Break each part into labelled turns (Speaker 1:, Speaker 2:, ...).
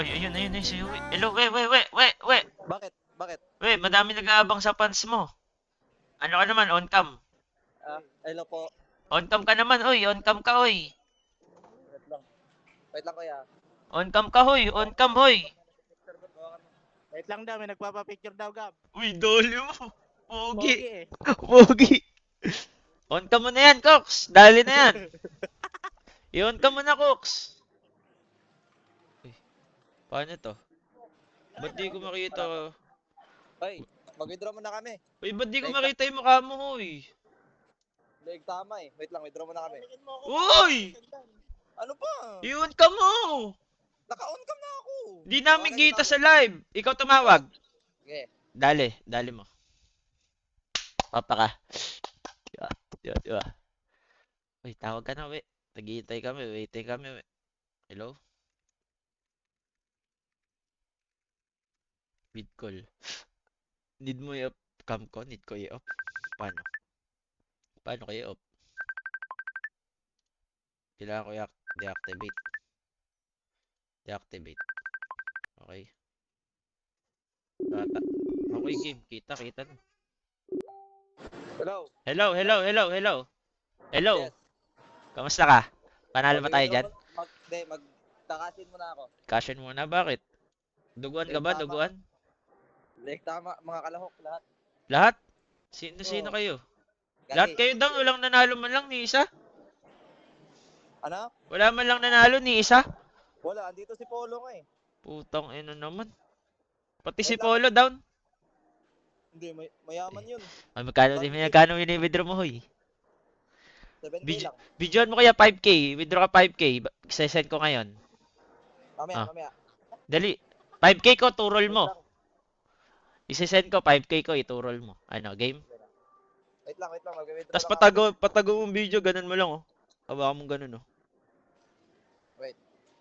Speaker 1: Ay, ayun si Uwi. Hello, we.
Speaker 2: Bakit? Bakit?
Speaker 1: We, madami nag-aabang sa fans mo. Ano ka naman, on cam?
Speaker 2: Hello po.
Speaker 1: On cam ka naman, oy. On cam ka, oy.
Speaker 2: Wait lang. Wait lang kuya.
Speaker 1: On cam ka, hoy. On cam, hoy.
Speaker 3: Wait lang daw, may nagpapapicture daw, Gab.
Speaker 1: Uy, doli mo. Pogi.
Speaker 3: Pogi eh.
Speaker 1: Pogi. On cam mo na yan, Cox. Dali na yan. I-on cam mo na, Cox. Uy, paano to? Ba't di ko makita?
Speaker 2: Hoy, mag-withdraw muna kami.
Speaker 1: Uy, ba't di ko makita yung mukha mo, hoy?
Speaker 2: Leeg tama eh. Wait lang, withdraw muna kami.
Speaker 1: Uy!
Speaker 2: Ano pa?
Speaker 1: I-on cam mo.
Speaker 2: Naka-on cam na ako.
Speaker 1: Di namin
Speaker 2: Okay,
Speaker 1: kita sa live. Ikaw tumawag.
Speaker 2: Okay.
Speaker 1: Dali mo. Papa ka. Diba. Uy, tawag ka na, we. Naghihintay kami, waiting kami, we. Hello? Mid call. Need mo i-off cam ko? Need ko i-off? Paano? Paano ko i-off? Kailangan ko deactivate. Deactivate. Okay. Bata. Okay, game. Kita na.
Speaker 2: Hello.
Speaker 1: Hello.
Speaker 2: Yes.
Speaker 1: Kamusta ka? Panalo ba tayo dyan?
Speaker 2: Magtakasin muna ako.
Speaker 1: Caution muna, bakit? Duguan ka ba? Duguan?
Speaker 2: Leeg tama, mga kalahok lahat.
Speaker 1: Lahat? Sino kayo? Lahat kayo down, walang nanalo man lang ni isa?
Speaker 2: Ano?
Speaker 1: Wala man lang nanalo ni isa?
Speaker 2: Wala, andito si Polo nga eh.
Speaker 1: Putang ina naman. Pati si Polo down.
Speaker 2: Hindi, mayaman yun.
Speaker 1: Ay, magkano wini-withdraw mo, hoy?
Speaker 2: 7K lang.
Speaker 1: Videoan mo kaya 5K. Withdraw ka 5K. Sesend ko ngayon.
Speaker 2: Mamaya.
Speaker 1: Dali. 5K ko, turol
Speaker 2: Wait
Speaker 1: mo.
Speaker 2: lang.
Speaker 1: Isesend ko, 5K ko, iturol mo. Ano, game?
Speaker 2: Wait lang. Mag-withdraw
Speaker 1: Tapos
Speaker 2: lang ako.
Speaker 1: patago mong video, ganun mo lang, oh. Hawakan mong ganun, oh.
Speaker 2: Wait.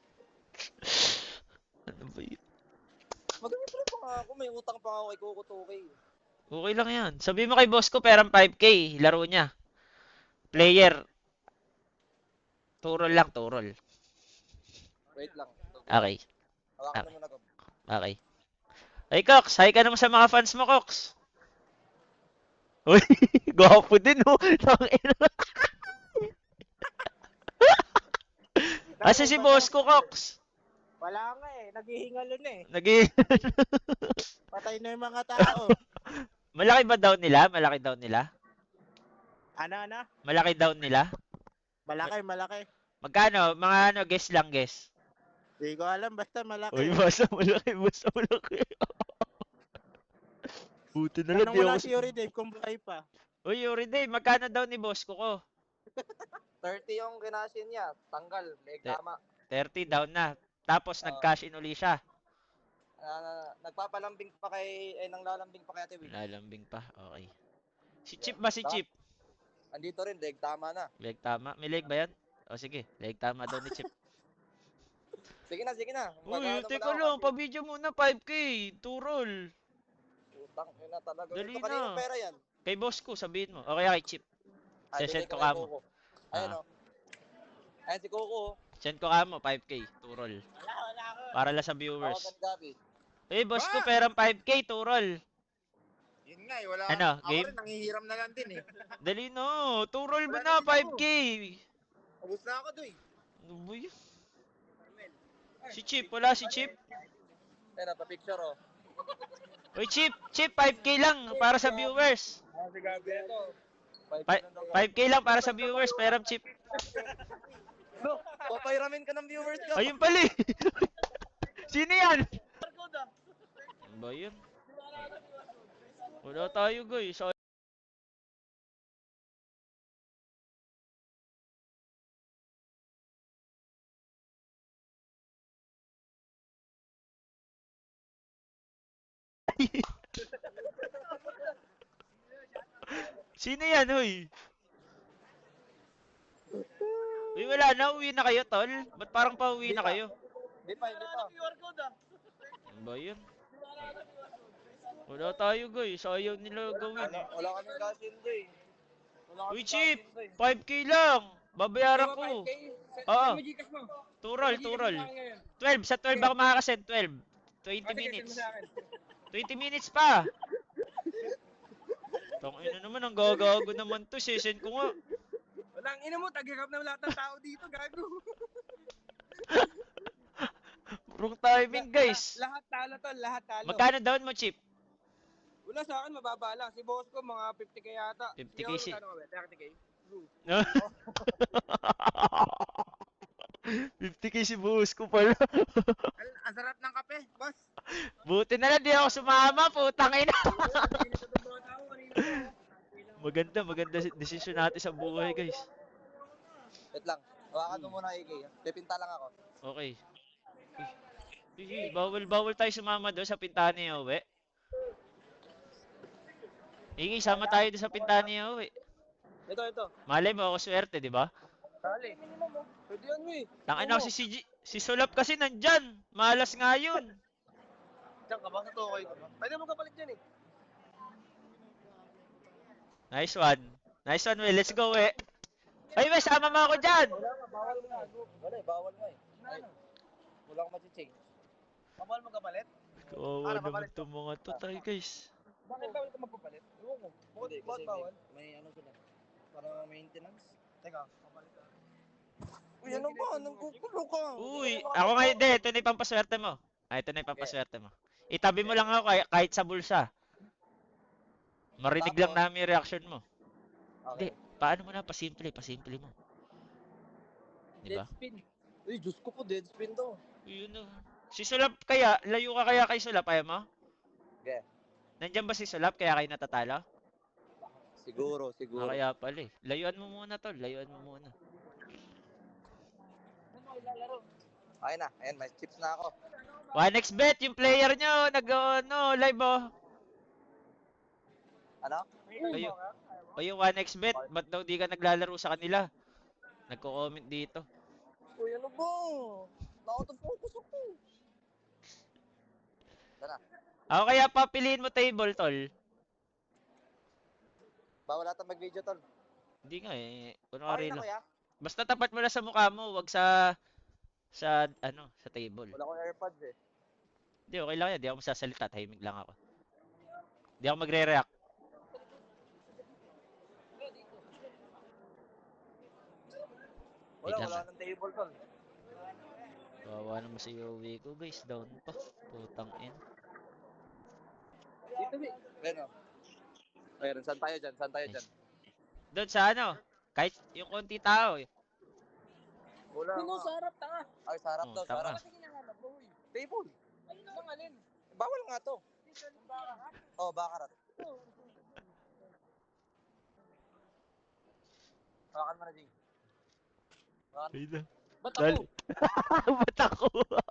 Speaker 1: Ano ba yun?
Speaker 2: Mag-withdraw pa nga ako. May utang pa nga ako kay Coco 2K.
Speaker 1: Okay lang yan. Sabi mo kay boss ko, perang 5K. Laro niya. Player. Turol lang, turol.
Speaker 2: Wait lang.
Speaker 1: Okay.
Speaker 2: Hawakan mo muna ko.
Speaker 1: Okay. Hey, Cox. Hi ka naman sa mga fans mo, Cox. Uy, gwapo din, oh. Tangina. Asa si boss ko, Cox?
Speaker 3: Wala nga eh, naghihingalo na eh. Patay na yung mga tao.
Speaker 1: Malaki ba down nila?
Speaker 3: Ano?
Speaker 1: Malaki down nila?
Speaker 3: Malaki.
Speaker 1: Magkano? Mga ano, guess lang, guess.
Speaker 3: Di ko alam, basta malaki.
Speaker 1: Uy, basta malaki. Buti na lang,
Speaker 3: Tanong
Speaker 1: di
Speaker 3: mo lang
Speaker 1: ako...
Speaker 3: si Yuri Dave kung buhay pa.
Speaker 1: Uy, Yuri Day, magkano daw ni boss ko?
Speaker 2: 30 yung kinasin niya. Tanggal. Leeg tama.
Speaker 1: 30 down na. Tapos, nag-cash in uli siya.
Speaker 2: Nagpapalambing pa nanglalambing pa kay Ate Will.
Speaker 1: Lalambing pa, okay. Si Chip ba si Chip?
Speaker 2: Andito rin, leeg tama na.
Speaker 1: Leg tama. May leg ba yan? O sige, leg tama daw ni Chip.
Speaker 2: Sige na.
Speaker 1: Uy, teka lang, pa-video muna 5K. Turol.
Speaker 2: Utang, yun na talaga.
Speaker 1: Dali
Speaker 2: Ito kanina
Speaker 1: na.
Speaker 2: pera yan.
Speaker 1: Kay boss ko, sabihin mo. O kaya kay Chip. Send ko ka mo.
Speaker 2: Ayan o. Ayan si Coco.
Speaker 1: Send ko ka mo, 5K. Turol.
Speaker 3: Wala ako.
Speaker 1: Para lang sa viewers.
Speaker 2: Tawagan Gabi.
Speaker 1: Eh, boss ko, perang 5K. Turol.
Speaker 4: Yun nga eh, wala.
Speaker 1: Ano,
Speaker 4: Ako
Speaker 1: game?
Speaker 4: rin, nangihiram na lang din eh.
Speaker 1: Dali no. Turol mo na,
Speaker 4: Wala na din
Speaker 1: 5K.
Speaker 4: Ubus na ako doy.
Speaker 1: Ano ba yun? Si Chip, wala si Chip.
Speaker 2: Ayan na, pa-picture o.
Speaker 1: Uy, Chip, 5K lang para sa viewers.
Speaker 4: Si Gabi ito.
Speaker 1: 5K lang para sa viewers, peram Chip.
Speaker 2: No, papairamin ka ng viewers ko.
Speaker 1: Ayun pala eh. Sino yan? Ano ba yun? Wala tayo guys. Sino yan, huy? Uy, wala na. Uwi na kayo, tol. Ba't parang pauwi na kayo?
Speaker 2: Hindi pa.
Speaker 1: Ano ba yun? Wala tayo, guys. Ayaw nila gawin eh.
Speaker 2: Wala kaming kasundo eh.
Speaker 1: Uy, Chip! 5K lang! Babayaran ko. Oo.
Speaker 4: May Gcash mo.
Speaker 1: Turol,
Speaker 4: May Gcash mo
Speaker 1: turol.
Speaker 4: sa akin ngayon.
Speaker 1: 12, sa 12 ako makakasend, 12. 20
Speaker 4: Sige, send mo
Speaker 1: minutes.
Speaker 4: sa akin.
Speaker 1: 20 minutes pa. Tangina naman, ang gagago naman to. Session ko nga.
Speaker 4: Walang ina mo, tagagap na lahat ng tao dito, gago.
Speaker 1: Wrong timing, guys.
Speaker 4: Lahat talo to, lahat talo.
Speaker 1: Magkano down mo, Chip?
Speaker 4: Wala sa akin, mababa lang. Si boss ko, mga 50k yata.
Speaker 1: 50K
Speaker 4: Ikaw,
Speaker 1: si-
Speaker 4: magkano ka ba? 30k? True.
Speaker 1: 50K si buhos ko pala.
Speaker 4: Ang sarap ng kape, boss.
Speaker 1: Buti na lang, di ako sumama. Putang ina.
Speaker 4: Nainit na itong mga tao, kanina pa.
Speaker 1: Maganda desisyon natin sa buhay, guys.
Speaker 2: Wait lang. Hawakan mo muna, AK. Pipinta lang ako.
Speaker 1: Okay. Bawal tayo sumama doon sa pintahan ni Yowie. Iki, sama tayo doon sa pintahan ni Yowie.
Speaker 2: Ito.
Speaker 1: Malay mo ako swerte, di ba?
Speaker 2: Dali. Pwede yan, we.
Speaker 1: Tangina ko si Sulap kasi nandyan. Malas nga yun.
Speaker 2: Diyan ka ba? Sa Tokoy ka ba? Pwede mo kapalit dyan eh.
Speaker 1: Nice one. Nice one, Will. Let's go, eh. Ay, we, sama mo ako dyan.
Speaker 2: Wala nga, bawal nga. Wala eh, bawal nga eh. Ay, wala akong mati-change. Bawal mo kapalit?
Speaker 1: Kawawa naman
Speaker 2: papalit
Speaker 1: itong mga to tayo, guys.
Speaker 2: Bakit bawal ka magpapalit? Ewan ko. Bakit bawal? May ano sila. Parang maintenance. Teka, kapalit ka. Uy, ano ba? Nanggugulo ka.
Speaker 1: Uy, ako nga, hindi. Ito na yung pampaswerte mo. Ito na yung pampaswerte mo. Itabi mo lang ako kahit sa bulsa. Marinig lang
Speaker 2: Tapos?
Speaker 1: namin yung reaction mo. Hindi,
Speaker 2: Okay.
Speaker 1: paano mo na? Pasimple mo. Di ba?
Speaker 2: Dead spin. Uy, Diyos ko po, dead spin to.
Speaker 1: Yun na. Si Sulap kaya, layo ka kaya kay Sulap, ayaw mo?
Speaker 2: Okay.
Speaker 1: Nandyan ba si Sulap kaya kayo natatalo?
Speaker 2: Siguro.
Speaker 1: Kaya pala eh. Layuan mo muna tol, layuan mo muna.
Speaker 2: Okay na. Ayan, may chips na ako.
Speaker 1: 1xbet, yung player nyo, live oh.
Speaker 2: Ano?
Speaker 1: Kayo, kayo 1xbet, ba't daw di ka naglalaro sa kanila? Nagko-comment dito.
Speaker 2: Uy, ano ba? Nakauto-focus ako. Tara.
Speaker 1: Ako kaya papiliin mo table tol.
Speaker 2: Bawal ata mag-video, tol.
Speaker 1: Hindi nga eh,
Speaker 2: Okay
Speaker 1: kunwari
Speaker 2: na,
Speaker 1: lang.
Speaker 2: kuya.
Speaker 1: Basta tapat mo na sa mukha mo, wag sa table.
Speaker 2: Wala akong AirPods eh.
Speaker 1: Hindi, okay lang yan. Di ako masasalita. Tahimik lang ako. Di ako magre-react. Wait lang,
Speaker 2: Wala nang table, tol.
Speaker 1: Kawawa naman si Yowie ko, guys. Down pa. Putang in.
Speaker 2: Dito, eh. Ayan, oh. Ayan, saan tayo dyan?
Speaker 1: Doon sa ano? Kahit yung konti tao eh.
Speaker 2: Wala
Speaker 3: Sino
Speaker 2: nga.
Speaker 3: sa harap, tanga?
Speaker 2: Ay, sarap
Speaker 1: Oh,
Speaker 2: daw,
Speaker 1: tama.
Speaker 2: sarap.
Speaker 3: Kasi hinahanap mo, uy.
Speaker 2: Table.
Speaker 3: Ayun lang alin.
Speaker 2: Bawal nga to. Oh, bakarat. Hawakan mo na, Jing. Hawakan.
Speaker 1: Wait lang.
Speaker 3: Ba't ako?
Speaker 1: Ba't ako?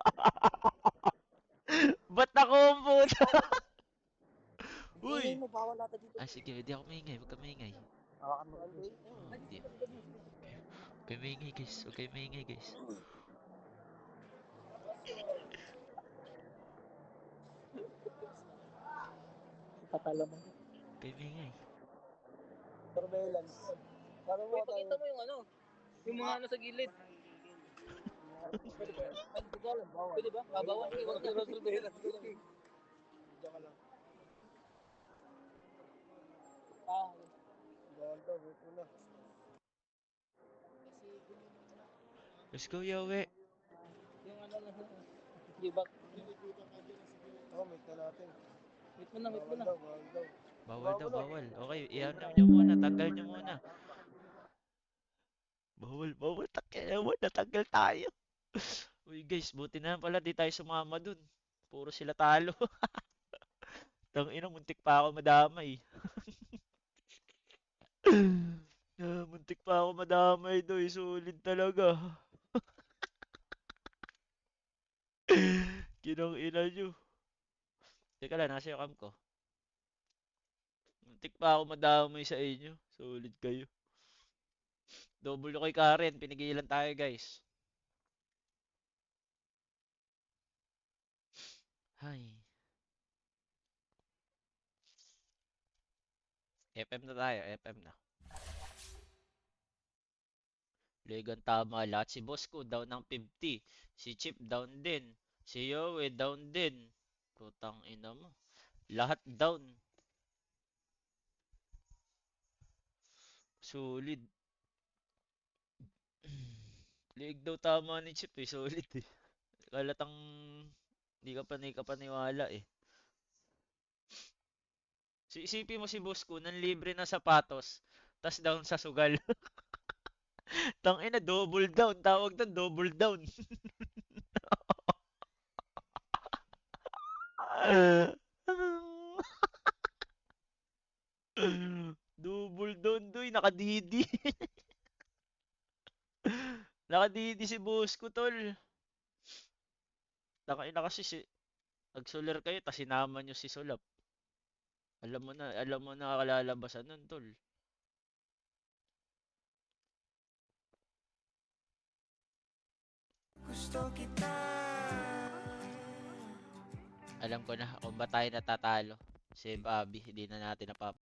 Speaker 1: Ba't ako ang puta? Uy!
Speaker 2: Ingay mo, bawal ata dito.
Speaker 1: Ah, sige. Hindi ako maingay. Huwag ka maingay.
Speaker 2: Hawakan mo.
Speaker 1: Hindi. Huwag kayo maingay, guys. Huwag kayo maingay, guys.
Speaker 3: Patala mo.
Speaker 1: Huwag kayo maingay.
Speaker 2: Surveillance. Sabi mo
Speaker 3: Pakita mo yung ano. Yung mga ano sa gilid. Pwede ba? Ay, hindi ko alam. Pwede ba? Babawan.
Speaker 2: Huwag ka surveillance. Diyan ka lang.
Speaker 3: Ah,
Speaker 2: Bawal daw, wait mo na.
Speaker 1: Let's go, Yowie.
Speaker 3: yung ano na. Give back.
Speaker 2: Oh, meet na natin.
Speaker 3: Wait mo na.
Speaker 2: Bawal daw.
Speaker 1: Bawal daw, bawal. Okay, iyan nyo muna. Tanggal nyo muna. Bawal. Natanggal tayo. Uy, guys. Buti na lang pala di tayo sumama dun. Puro sila talo. Tangina, muntik pa ako madamay. Muntik pa ako madamay doy. Sulit talaga. Kinang ina nyo. Teka lang, nasa yung cam ko. Muntik pa ako madamay sa inyo. Sulit kayo. Double kay Karen. Pinigilan tayo, guys. Hay. FM na tayo. FM na. Legan tama lahat. Si Bosco down ng 50. Si Chip down din. Si Yowie down din. Putang ina mo. Lahat down. Solid. Leeg daw tama ni Chip eh. Solid eh. Kalatang di ka kapaniwala eh. Isipin mo si Bosco, nang libre na sapatos, tas down sa sugal. Tangina, double down. Tawag doon, double down. Double down doy, nakadidi. Nakadidi si Bosco, tol. Tangina kasi nagsolar kayo, tas sinama nyo si Solap. Alam mo na kalalabasan nun, tol. Alam ko na kung ba tayo natatalo. Si Bobby, hindi na natin